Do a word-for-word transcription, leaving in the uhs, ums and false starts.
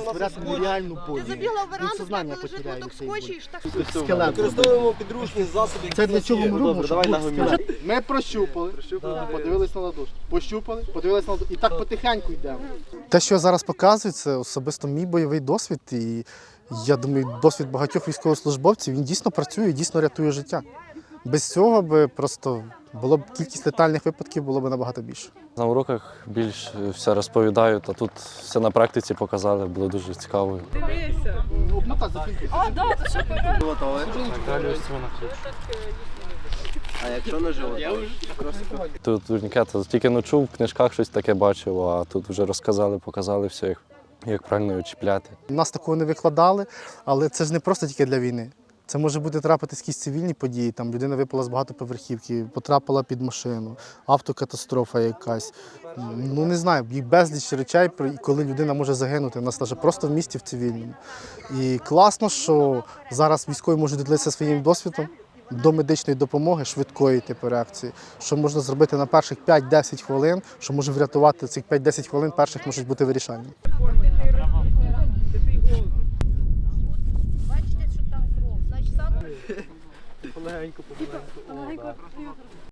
створяти нереальну боль. Ти забігла в Він веранду, сознання в тебе лежить потеряє моток цей боль. скотчу і штах. Скелет. Використовуємо підручні засоби. Це для чого ми робимо, щоб був ногу скелет. Ми прощупали, подивились на ладошку. Пощупали, подивились на ладошку. І так потихеньку йдемо. Те, що я зараз показую, це особисто мій бойовий досвід. І я думаю, досвід багатьох військовослужбовців, він дійсно працює, дійсно рятує життя. Без цього би просто було б кількість летальних випадків було б набагато більше. На уроках більш все розповідають, а тут все на практиці показали, було дуже цікаво. Дивися. Обмотати за фільтр. А, да, ти що перед? А якщо на живот? Тут турнікет тільки не чув, в книжках щось таке бачив, а тут вже розказали, показали все, як, як правильно його чіпляти. Нас такого не викладали, але це ж не просто тільки для війни. Це може бути трапитись якісь цивільні події, там людина випала з багатоповерхівки, потрапила під машину, автокатастрофа якась. Ну не знаю, їх безліч речей, коли людина може загинути, у нас навіть просто в місті в цивільному. І класно, що зараз військові можуть ділитися своїм досвідом до медичної допомоги, швидкої типу реакції, що можна зробити на перших п'ять-десять хвилин, що може врятувати цих п'ять-десять хвилин перших можуть бути вирішальні. Бачите, що там кров. Значить, саме... Полегенько, полегенько.